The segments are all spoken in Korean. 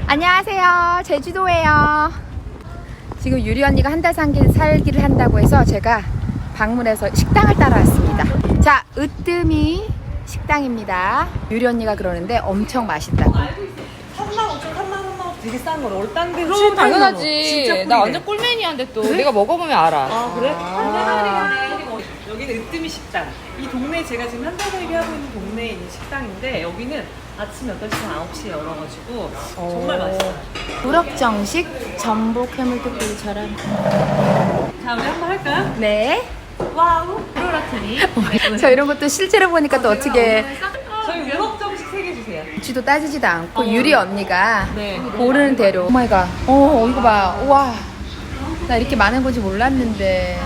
안녕하세요. 제주도예요. 지금 유리 언니가 한 달 살기를 한다고 해서 제가 방문해서 식당을 따라왔습니다. 자, 으뜸이 식당입니다. 유리 언니가 그러는데 엄청 맛있다고. 35,000, 33,000원 되게 싼 거래. 원래 딴 데. 그럼 당연하지. 나 완전 꿀맨이한데 또. 그래? 내가 먹어보면 알아. 아, 그래? 여기는 으뜸이 식당. 이 동네에 제가 지금 한 달 살기 하고 있는 동네에 있는 식당인데 여기는 아침 8시부터 9시에 열어가지고 정말 맛있어요. 우럭정식 전복 해물특구이처럼. 자, 우리 한번 할까요? 네. 와우. 프로라트니. 저 이런 것도 실제로 보니까 또 어떻게 저희 우럭정식 3개 주세요. 지도 따지지도 않고 유리 언니가 네. 고르는 대로. 오 마이 갓. 이거 봐. 우와. 나 이렇게 많은 건지 몰랐는데.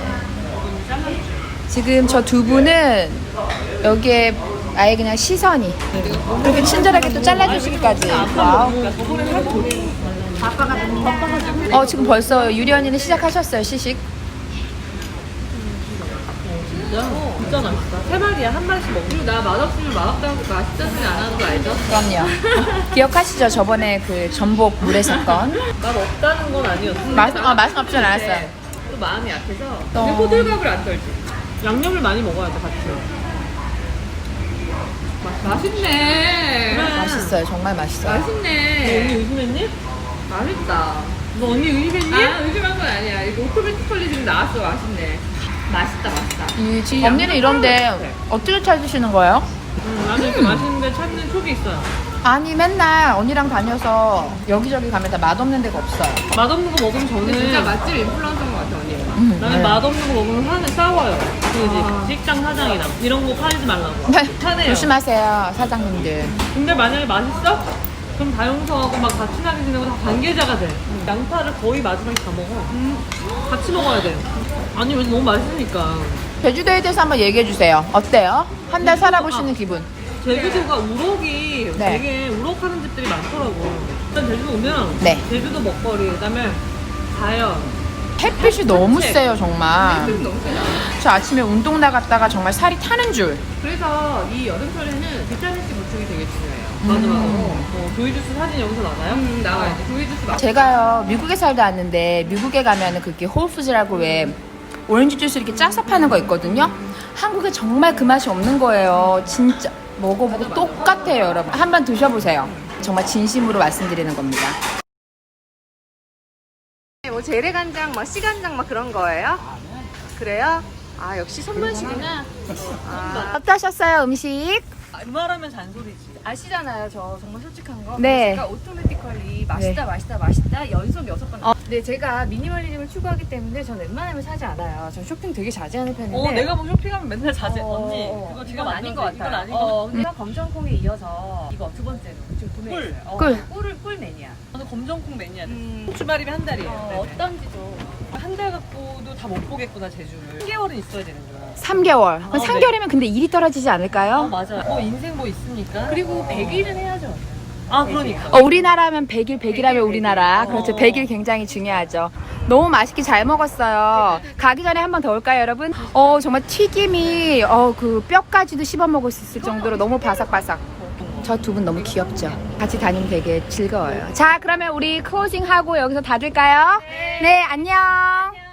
지금 저 두 분은 여기에 아예 그냥 시선이 그렇게 친절하게 또 잘라주시기까지. 와우. 지금 벌써 유리 언니는 시작하셨어요, 시식. 진짜 맛있다. 3마리야. 한 마리씩 먹고. 그리고 나 맛없으면 맛없다고 맛있다 소리 안 하는 거 알죠? 그럼요. 기억하시죠? 저번에 그 전복 물에서 건. 맛없다는 건 아니었어. 맛은 없진 않았어요. 또 마음이 약해서. 근데 호들갑을 안 떨지. 양념을 많이 먹어야 돼, 같이. 맛있네. 맛있어요. 정말 맛있어요. 너 맛있네. 언니 의심했니? 맛있다. 너 언니 의심했니? 아, 의심한 건 아니야. 이거 오토매틱컬리 지금 나왔어. 맛있네. 맛있다. 언니는 이런데 어떻게 찾으시는 거예요? 나는 이렇게 맛있는데 찾는 촉이 있어요. 아니 맨날 언니랑 다녀서 여기저기 가면 다 맛없는 데가 없어요. 맛없는 거 먹으면 저는 근데 진짜 맛집 인플루언서인 것 같아, 언니. 나는 네. 맛없는 거 먹으면 화는 싸워요. 그 식당 사장이랑 이런 거 팔지 말라고. 네. 화내요. 조심하세요, 사장님들. 근데 만약에 맛있어? 그럼 다용서하고 막 같이 나게 지내고 다 관계자가 돼. 양파를 거의 마지막에 다 먹어. 같이 먹어야 돼. 아니, 왜 너무 맛있으니까. 제주도에 대해서 한번 얘기해 주세요. 어때요? 한 달 살아보시는 기분. 제주도가 우럭이 네. 되게 우럭하는 집들이 많더라고. 일단 제주도 오면 네. 제주도 먹거리, 그다음에 자연. 햇빛이 너무 세요, 정말. 너무 세다. 저 아침에 운동 나갔다가 정말 살이 타는 줄. 그래서 이 여름철에는 비타민C 보충이 되게 중요해요. 맞아. 조이 주스 사진 여기서 나가요? 나와야지. 조이 주스 맛. 제가요, 미국에 살다 왔는데, 미국에 가면은 그게 홀푸즈라고 왜 오렌지 주스 이렇게 짜서 파는 거 있거든요? 한국에 정말 그 맛이 없는 거예요. 진짜 먹어보고 똑같아요, 여러분. 한번 드셔보세요. 정말 진심으로 말씀드리는 겁니다. 뭐 재래간장, 뭐 씨간장 막 그런 거예요? 그래요? 아, 역시 손맛이구나. 어떠셨어요, 음식? 그 말하면 잔소리지. 아시잖아요, 저 정말 솔직한 거. 네. 제가 오토매틱컬리 맛있다, 맛있다 연속 6번. 근데 제가 미니멀리즘을 추구하기 때문에 전 웬만하면 사지 않아요. 전 쇼핑 되게 자주 하는 편인데. 내가 뭐 쇼핑하면 맨날 자제. 언니, 그거 이건 지금 아닌 것 같아요. 이건 아닌 거. 근데 검정콩에 이어서 이거 두 번째로 지금 구매했어요. 꿀 매니아. 저는 검정콩 매니아 됐어. 주말이면 한 달이에요. 어떤지 좀. 한 달 갖고도 다 못 보겠구나, 제주를. 3개월은 있어야 되는 거야. 3개월. 그럼 네. 3개월이면 근데 일이 떨어지지 않을까요? 맞아. 뭐 인생 뭐 있으니까. 그리고 100일은 해야죠. 그러니까. 우리나라면 100일, 100일하면 우리나라. 그렇죠. 100일 굉장히 중요하죠. 너무 맛있게 잘 먹었어요. 가기 전에 한 번 더 올까요, 여러분? 정말 튀김이, 그 뼈까지도 씹어 먹을 수 있을 정도로 너무 바삭바삭. 저 두 분 너무 귀엽죠? 같이 다니면 되게 즐거워요. 자, 그러면 우리 클로징 하고 여기서 닫을까요? 네, 안녕.